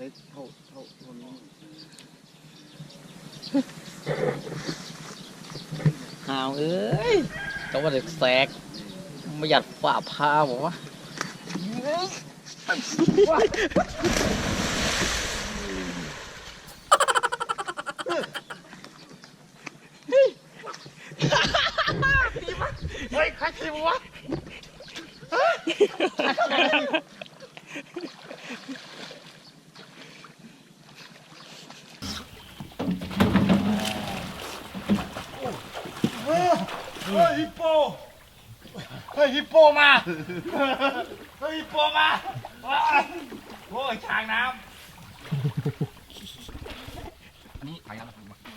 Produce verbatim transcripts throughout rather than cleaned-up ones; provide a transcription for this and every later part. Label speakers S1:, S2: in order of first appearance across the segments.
S1: ได้เท่าเท่าเท่านี้
S2: หาวเอ้ยต้องมาเด็กแสกไม่หยัดฝ่าพาบอกว่า
S1: เฮ้ยใครทีมวะเฮ้ยฮิปโปเฮ้ยฮิปโปมาเฮ้ยฮิปโปมาโอ้ยช้างน้ำนี่ไปแล้ว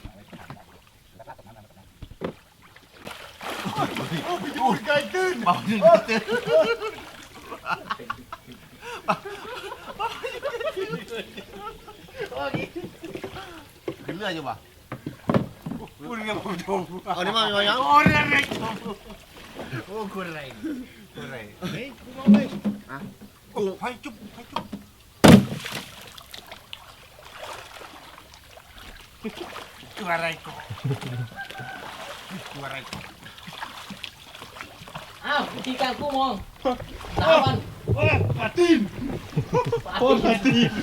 S1: โอ้ยอยู่ไกลตื้นบอกหนึ่งตื้นขึ้นเรืออยู่ป่ะพูดเรื่องผมชมเอานี่มาเอาอย่างโอ้เรื่องอะไรโอ้คุณอะไรคุณอะไรเฮ้ยกูมองเลยอ่ะโอ้ให้จุ๊บให้จุ๊บตัวอะไรกูตัวอะไรกู
S2: อ้าววิธีการกู้มองสามวัน
S1: โอ้ปาตีนโอ้ปาตีน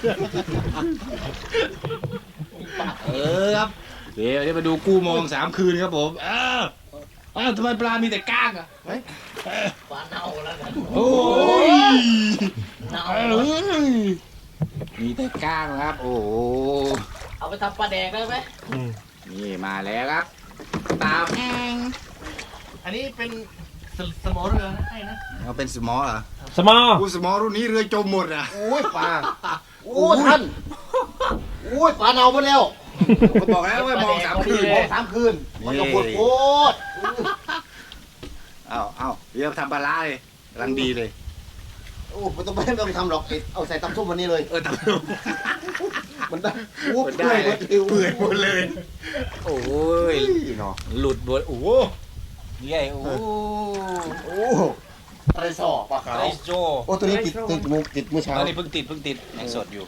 S3: เออครับเดี๋ยวเดี๋ยวมาดูกู้มองสามคืนครับผมอ้าวอ้าวทำไมปลามีแต่ก้างอ่ะ
S2: ปลาเน่าแล้วกัน
S3: โอ้ย
S2: เน่า
S3: เอ้ยมีแต่ก้างครับ โอ้โห
S2: เอาไปทำปลาแดกได้ไหม
S3: นี่มาแล้วครับตามแอง
S1: อันนี้เป็นสมอเรือนะใช่นะ
S3: เอาเป็นสมอเหรอ
S4: สมอ
S3: กูสมอรุ่นนี้เรือจมหมดอ่ะ
S1: โอ้ยปลาโอ้ท่านโอ้ยปลาเน่าไปแล้ว
S3: ผมบอกแล้วว่ามองสามคืน
S1: มองสามคืนมันก็ปวดโคตร
S3: เอาเอาเดี๋ยวทำปลาร้าเลยกำลังดีเลย
S1: โอ้ไม่ต้องไม่ต้องทำหรอกเอาใส่ตำส้มวันนี้เลย
S3: เออทำ
S1: มันได้โอ้
S3: มัน
S1: เปื่
S3: ได้
S1: อยหม
S3: เลย
S1: ดเอว
S3: เปื่อยหมดเลย โอ้ย
S1: เนาะ
S3: หลุดหมดโอ้โหนี่ไงโอ้โห
S1: โอ้อะไรสอปลาขาว
S3: ไอโจ
S1: โอ้ตัวนี้ติดติดมือติดเมื่อเช้า
S3: ตอนนี้เพิ่งติดเพิ่งติดยังสดอยู่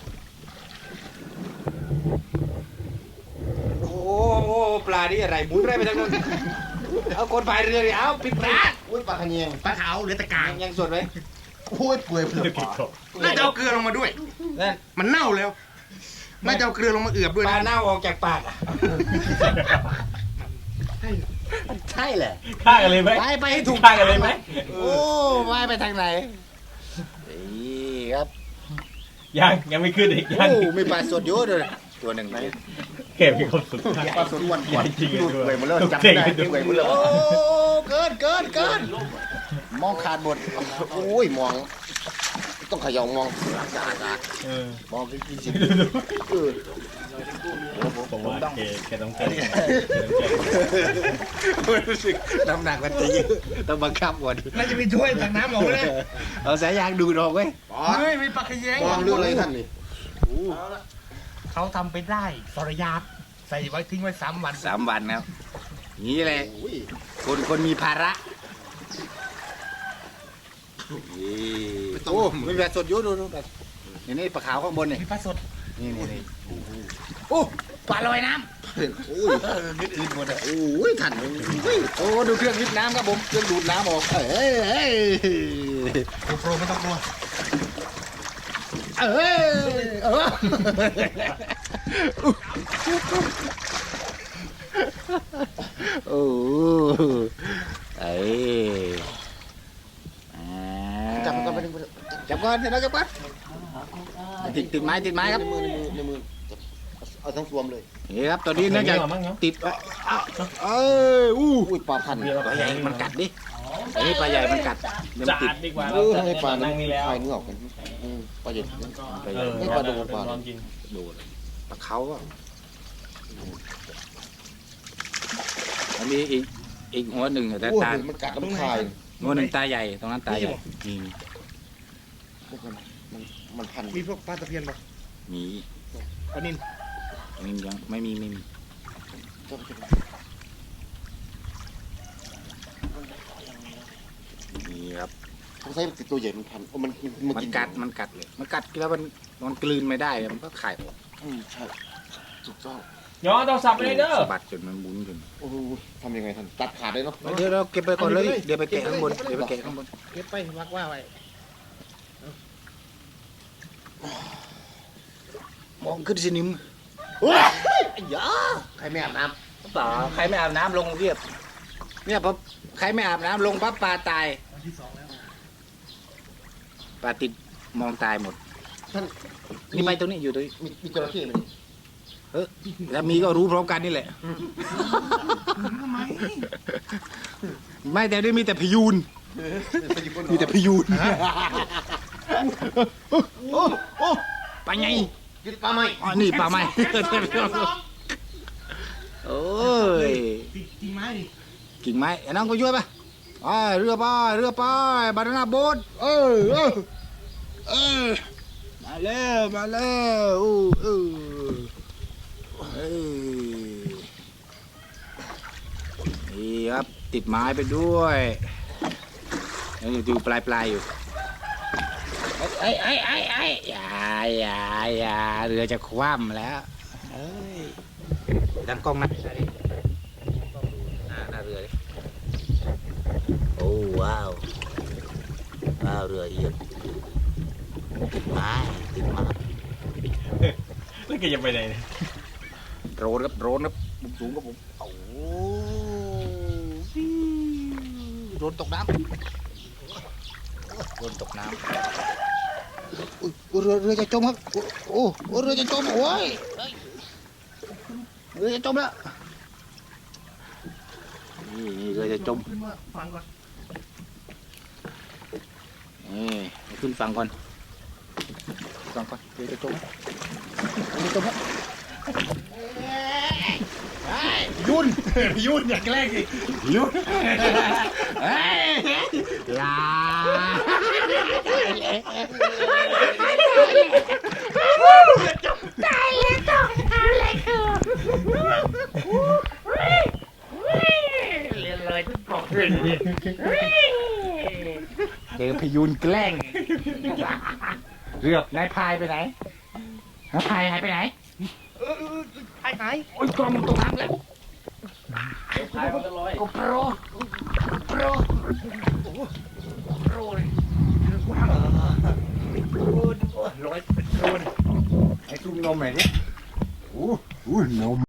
S3: โอ้โหปลานี่อะไรหมุนได้ไปทั้งนั้นเอาคนพายเรือเลยเอาปิดปลา
S1: โอ้ยปลาขะเนียง
S3: ปลาขาวเหลือแต่กลางยังสดไหม
S1: โอ้ยเปื่อยเปื่อยปลา
S5: น่าจะเอาเกลือลงมาด้วย
S3: นั่น
S5: มันเน่าแล้ว น่าจะเอาเกลือลงมาเอือบด้วย
S3: ปลา
S5: นะ
S3: เน่าออกจากปากอ่ะใช่แหละ
S4: ฆ่ากันเลยไหม
S3: ไปไปให้ถูก
S4: ฆ่ากันเลยไหม
S3: โอ้ว่ายไปทางไหนนี่ครับ
S4: ยังยังไม่ขึ้นอีกยัง
S3: โอ้มีปลาสดเยอะเลยตัวหนึ่งไหม
S4: เก็บมีความสุข
S1: ปลาสดวันก่อน
S4: จริง
S1: ดู
S4: ด้
S1: เปื่อยหมดเลย
S4: ทุก
S1: จับ
S4: เก่
S1: ไม่
S4: ง
S1: ได้
S4: ดู
S1: เปื่อยหมดเลย
S3: โอ้เกินเกินเกิน
S1: มองขาดหมดโอ้ยมองต้องขยองมอง
S4: เออ
S1: มองกินกินสิ
S4: ดูดู
S1: เออ
S4: ผมว่าเกแกต้องเก่ง
S3: รู้สึกน้ำหนักมันจะเยอะต้องบังคับก่อน
S5: น่าจะมีถ้วยตักน้ำออกเลย
S3: เอาสายยางดูดออกไว้
S5: เฮ้ยมีปลาขยง
S1: มองเรื่องอะไรท่านนี่
S5: เขาทำไปได้สรยาบใส่ไว้ทิ้งไว้สามวัน
S3: สามวันครับนี่แหละ
S1: โอ้ย
S3: คนคนมีภาระนี่โอ้มีปลาสดเยอะดูดูแบบนี่นี่ปลาขาวข้างบนนี่
S5: มีปลาสด
S3: นี่นี่นี่โอ้ปลาลอยน้ำ
S1: โอ้ย
S3: อืดๆหมดอ่ะ
S1: โอ้ยท่านเฮ้ย
S3: โอ้ดูเครื่องวิทน้ำครับผมเครื่องดูดน้ำออกเอ้ยเอ้ย
S5: โกโปรไม่ต้องกลัว
S3: เอ้ยเออโอ้ไอ้
S1: จับมันก่อนไปดึง
S3: จับก่อนเดี๋ยวเราจับก่อนติดติดไม้ติดไม้ครับ
S1: ในมือในมือในมือเอาทั้งสวมเลย
S3: นี่ครับตอนนี้น่าจะติดเอ้ยอู้
S1: อุ้ยปลาพัน
S3: ปลาใหญ่มันกัดดิไอ้ปลาใหญ่มันกัดเดี๋ยว
S4: จะ
S3: มันติ
S4: อั
S3: ด
S4: ดดีกว่า
S1: เออให้ปลา
S4: นั่งนี่แล้ว
S1: คลายเนื้อออกกันอืมปลาใหญ่
S3: ปลาให
S4: เอ
S3: ญ่
S4: อ
S1: ให้ปลาโดนปลา
S4: ลองกิน
S3: โดนปลาเขาอ่ะอันนี้อีกอีกหัวหนึ่งแต่
S1: โอ้ย
S3: ตา
S1: มันกัดน้ำคาย
S3: หัวหนึ่งตาใหญ่ตรงนั้นตาใหญ่มี
S1: มันมันมันพัน
S5: มีพวกปลาตะเพียนปะ
S3: มี
S5: ปลานิล
S3: อันนี้ยังไม่มีไม่มีนี่ครับ
S1: เขาใช้ติดตัวใหญ่มันพันโอ้มันมัน
S3: มัน
S1: กิน
S3: กัดมันกัดเลยมันกัดแล้วมันมันกลืนไม่ได้มันก็ขายออก
S1: อืมใช่ถูกต้อง
S4: ย้อนโทรศัพท์ไปเลยเด้อ
S3: สะบัดจนมันบุนจน
S1: โอ้โหทำยังไงท่านตัดขาดได้เนาะ
S3: เดี๋ยวเราเก็บไปก่อนเลยเดี๋ยวไปแกะข้างบนเดี๋ยวไปแกะข้างบน
S5: เก็บไปวักว่าไว้
S3: มองขึ้นสินิม
S1: ยาใครไม่อาบน้
S3: เปล่าใครไม่อาบน้ำลงเรียบเนี่ยพอใครไม่อาบน้ำลงปั๊บปลาตายปลาติดมองตายหมด
S1: ำท่าน
S3: นี่ไปตรงนี้อยู่ตรงนี้
S1: มีมีจระเข้ไหม
S3: เออแล้วมีก็รู้พร้อมกันนี่แหละไม่แต่นี่มีแต่พยูนมีแต่พยูนโอ้โอ้ปลาไง
S1: กินปลาไหม
S3: อ๋อนี่ปลาไหมโอ้ย
S5: จริงไหมดิ
S3: กิ่งไม้ไอ้น้องก็ช่วยป่ะไปเรือไปเรือไปบานาน่าโบ๊ทเออเออเออมาแล้วมาแล้วอู้เออเอ้ยนี่ครับติดไม้ไปด้วยยังอยู่ปลายปลายๆอยู่ไอ้ไอ้ไอ้ไอ้อย่าอย่าอย่าเรือจะคว่ำแล้วเอ้ยดังกล้องนะหน้าหน้าเรือดิโอ้ว้าวว้าวเรือเอียงติดไม้ติดไม้
S4: แล้วแกจะไปไหนเนี่ย
S3: โดรนครับโดรนครับมุมสูงครับผมโอ้โหโดรนตกน้ำโดรนตกน้ำอุ๊ยเรือเรือจะจมครับโอ้โอ้เรือจะจมโอ้ยเรือจะจมแล้วนี่นี่เรือจะจม
S5: ขึ้นมาฟังก่อน
S3: นี่ขึ้นฝั่งก่อนฝั่งก่อนเรือจะจมเรือจะจมแล้ว
S5: ยุ่นยุ่นอย่าแกล้งดิ
S3: ยุ่นลาเจอพยูนแกล้งเรือกนายพายไปไหนนายพายหายไปไหน
S5: ไอ้ไหน
S3: โอ้ยกล้องมันตกน้ำแล้ว
S2: พายมันก็ลอย
S3: ก็โปรโปรโปรเลยร้อยเป็นโปรเลยไอ้ตุ้มนมไหนเนี่ยโอ้โหนม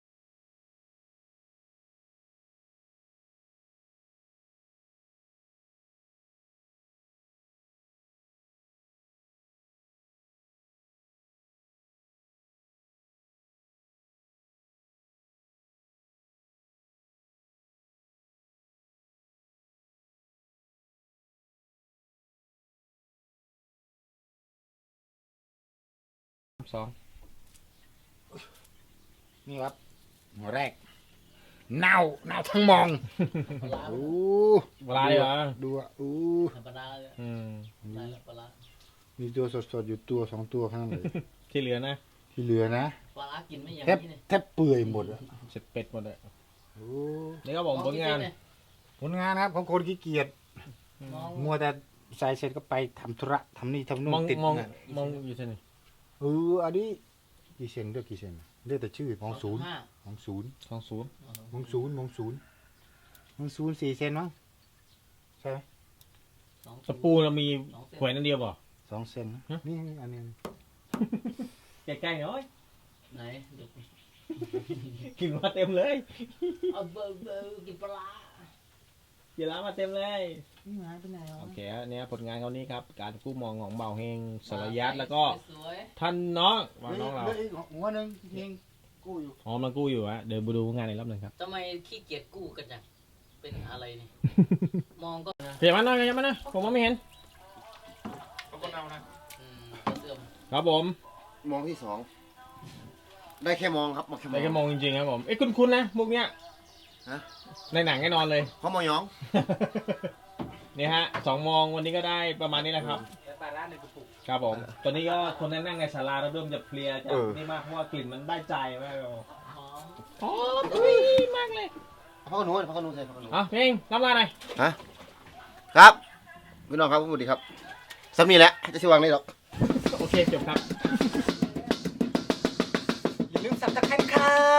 S3: สองนี่ครับหัวแรกเน่าเน่าทั้งมองโอ้
S4: ปลาเหรอ
S3: ดูอ่ะโอ้
S2: ปลาร้าเลย
S4: อืม
S2: ปลาปลาร้า
S3: มีตัวสดๆอยู่ตัวสองตัวข้างใน
S4: ที่เหลือนะ
S3: ที่เหลือนะ
S2: ปลาร้ากินไม่อย่าง
S3: แทบ
S2: นี้เลย
S3: แทบเปื่อยหมดอ่ะ
S4: เสร็จเป็ดหมดเลย
S3: โอ้
S4: นี่ก็บอกผลงาน
S3: ผลงานครับของคนขี้เกียจ
S2: มอง
S3: มัวแต่ใส่เสร็จก็ไปทำธุระทำนี่ทำนู่
S4: ม
S3: น
S4: อง
S3: ติด
S4: มอง
S3: งาน
S4: มองอยู่ที่ไหน
S3: เอออันนี้กี่เซนเรียกกี่เซนเรียกแต่ชื่อมองศูนย์
S2: ห้าม
S3: องศูนย์
S4: สองศูนย์
S3: มองศูนย์มองศูนย์มองศูนย์สี่เซนมั้งใช่ไหม
S2: สอง
S4: ตะปูเรามีหวยนั่นเดียวป่ะ
S3: สองเซนนะ
S4: ฮะ
S3: นี่นี่อันนี้
S4: ใกล้ๆหน่อย
S2: ไหนเดี๋ยว
S4: กินมาเต็มเลย
S2: เอาเบอร์เบอร์กินปลาร้า
S4: เยลามาเต็มเลย
S2: นี่หายไปไหนวะ
S4: โอเคอันเนี้ยผลงานเขานี้ครับ การกู้มองของเบาเฮงสรยัตแล้วก็
S2: สวย
S4: ท่านน้องว่าน้องเรา
S3: เหลืออีกหัวหนึ่งเองกู้อยู่
S4: อ๋อมันกู้อยู่ฮะเดี๋ยวไปดูงานในรอบหนึ่งครับ
S2: ๆทำไมขี้เกียจกู้กันจังเป็นอะไรนี่มองก็
S4: เขียนมาหน่อยเขียนมาหน่อยผมมองไม่เห็น
S5: เขาก็เอานะ
S2: อืมก็เสื่อม
S4: ครับผม
S1: มองที่สองได้แค่มองครับมองแค่ม
S4: ได้
S1: อง
S4: แค่มองจริงๆครับผมเอ้ยคุ้นๆนะมุกเนี้ย
S1: ฮะ
S4: ในหนังแน่นอนเลย
S1: เขามองยอง
S4: นี่ฮะสองโมองวันนี้ก็ได้ประมาณนี้แหละครับ
S3: ปลาร้าในกระปุก
S4: ครับผม ตอนนี้ก็คนนั่งนั่งในศาลาเราเริ่มจะเพลียจาก
S1: เออ
S4: นี่มากเพราะว่ากลิ่นมันได้ใจมากเลย
S2: หอม
S4: อ๋ออุ้ยมากเลย
S1: พักกันหนูพักกันหนูใส่พักกันหนู
S4: อ่ะเพลงรับลาหน่อย
S1: ฮะครับพี่น้องครับสวัสดีครับสามีแหละจะชิวางนี่หรอก
S4: โอเคเคจบครับ
S5: อย่าลืมสับตะไคร้ครับ